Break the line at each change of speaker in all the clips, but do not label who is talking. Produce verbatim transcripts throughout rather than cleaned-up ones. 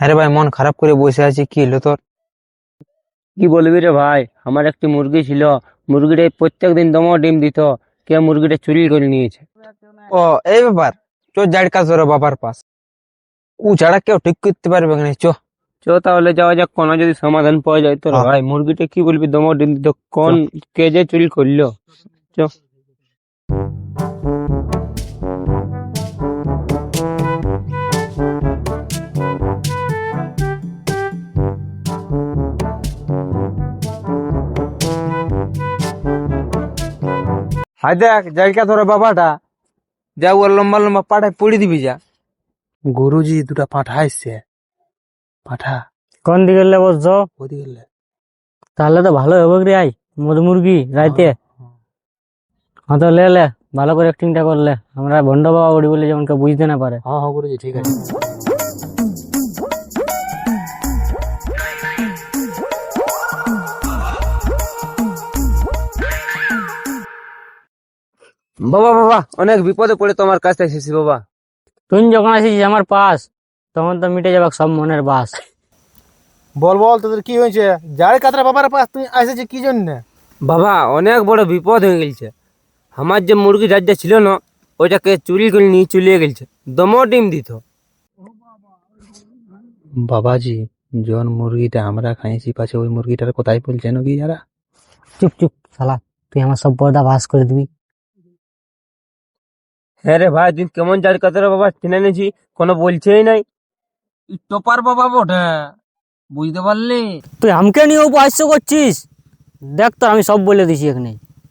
আরে ভাই, মন খারাপ করে বসে আছি, কি হলো তোর?
কি বলবি রে ভাই, আমার একটি মুরগি ছিল। মুরগিটা প্রত্যেক দিন দমো ডিম দিত। কে মুরগিটা চুরি করে নিয়েছে।
ও, এই ব্যাপার। চো যার কাজ ওর বাবার পাস, ও ছাড়া কেউ ঠিক করতে পারবে না। চো
চ তাহলে যাওয়া যাক, কোনো যদি সমাধান পাওয়া যায় তোর।
হ্যাঁ,
ভাই মুরগিটা কি বলবি, দমো ডিম দিত, কোন কে যে চুরি করলো। চ।
হাই দেখ, যার কাজ ওর বাবাটা, যা ওর লম্বা লম্বা পাঠায় পড়ে দিবি যা। গুরুজি দুটা পাঠা এসছে, পাঠা
কোন দিকে লে বসছো?
ওদিকে লে।
তাহলে তো ভালো হবে রে। আই মধু মুরগি রাইতে। হ্যাঁ তো লে লে, ভালো করে অ্যাক্টিংটা করলে আমরা ভন্ড বাবা উড়ি বলে যেমন কেউ বুঝতে না পারে।
হ্যাঁ হ্যাঁ গুরুজি, ঠিক আছে।
বাবা বাবা, অনেক বিপদে পড়ে তোমার কাছে এসেছি বাবা।
তুই যখন আসিস আমার পাস, তখন তো মিটে যাবে সব মনের বাস।
বল বল, তোদের কি হয়েছে? যার কাতরা বাবার পাশ তুই এসেছিস কি জন্য?
বাবা, অনেক বড় বিপদ হয়ে গেছে। আমার যে মুরগি যার যা ছিল না, ওইটাকে চুরি করে নিয়ে চলে গেছে। দমো ডিম দিত।
বাবাজি, জন মুরগিটা আমরা খাইছি পাছে ওই মুরগিটার কোথায় বলছেন কি যারা?
চুপ চুপ শালা, তুই আমার সব পর্দা বাস করে দিবি।
হ্যাঁ রে ভাই, তুই কেমন যার কথা বাবা চিনে নিয়েছি, কোনো বলছেই নাই। টপার বাবা বটে, বুঝতে পারলি?
তুই আমাকে নিয়ে উপহাস্য করছিস? দেখ তো আমি সব বলে দিছি এখানে।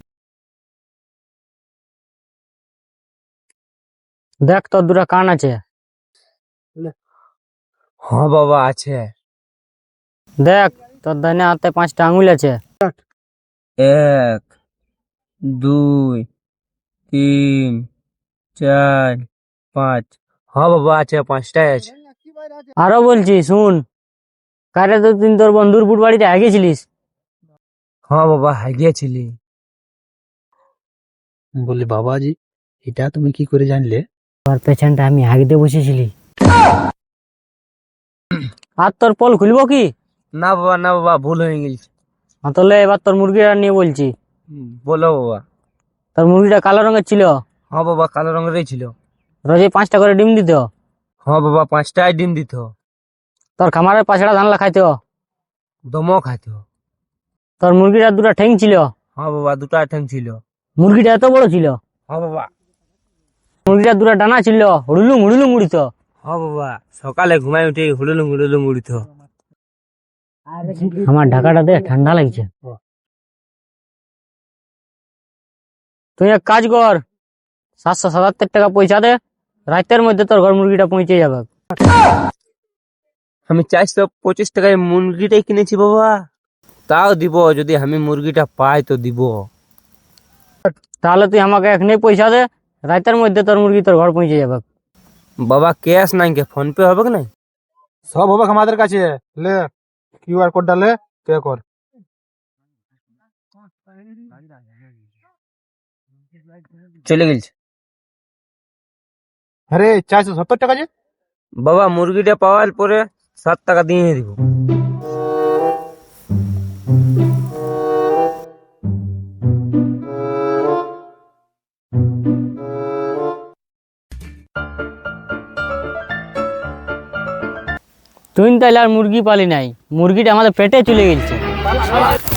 দেখ তোর দুটা কান আছে।
হ্যাঁ বাবা, আছে।
দেখ তোর ডানে হাতে পাঁচটা আঙুল আছে।
এক, দুই, তিন, চার, পাঁচ। হ্যাঁ বাবা, আছে, পাঁচটাই আছে।
আরো বলছি শুন, কারে তো তুই তোর বন্ধুর বুট বাড়িতে আগেছিলিস।
হ্যাঁ বাবা, হাগিয়েছিলি।
বলি বাবাজি, এটা তুমি কি করে জানলে?
তোর পেছনটা আমি হাগিতে বসেছিলি। আর তোর পল খুলবো কি?
না বাবা, না বাবা, ভুল হয়ে গেছে।
তাহলে এবার তোর মুরগিটা নিয়ে বলছি।
হুম, বলো বাবা।
তোর মুরগিটা কালো রঙের ছিল।
হ্যাঁ বাবা, কালো রঙেরই ছিল।
রোজে পাঁচটা করে ডিম দিত।
হ্যাঁ বাবা, পাঁচটায় ডিম দিত।
তোর খামারের পাছড়া ধানলা খাইতো।
দমও খাইত।
তোর মুরগিটার দুটা ঠ্যাং ছিল।
হ্যাঁ বাবা, দুটা ঠ্যাং ছিল।
মুরগিটা এত বড় ছিল।
হ্যাঁ বাবা।
মুরগিটার দুটা ডানা ছিল, হুড়ুলুম হুড়ুলুম উড়িত।
হ্যাঁ বাবা, সকালে ঘুমাই উঠে হুড়ুলুম হুড়ুলুম উড়িত।
আমার ঢাকাটা দে, ঠান্ডা লাগছে। তুই এক কাজ কর, সাতশো সাতাত্তর টাকা পয়সা দে, রাতের মধ্যে তোর ঘর মুরগিটা পৌঁছে যাবে।
আমি চারশো পঁচিশ টাকায় মুরগিটাই কিনেছি বাবা। তাও দিব, যদি আমি মুরগিটা পাই তো দিব।
তাহলে তুই আমাকে এখনই পয়সা দে, রাতের মধ্যে তোর মুরগি তোর ঘর পৌঁছে যাবে।
বাবা, ক্যাশ নাই কে, ফোন পে হবে কি নাই?
সব হবে আমাদের কাছে। লে, কিউআর কোডটা লে, পে কর।
চলে গেছে।
আরে চারশো সত্তর টাকা যে।
বাবা, মুরগিটা পাওয়ার পরে সাত টাকা দিয়ে দিব।
তুই তাইলে আর মুরগি পালি নাই, মুরগিটা আমাদের পেটে চলে গেছে।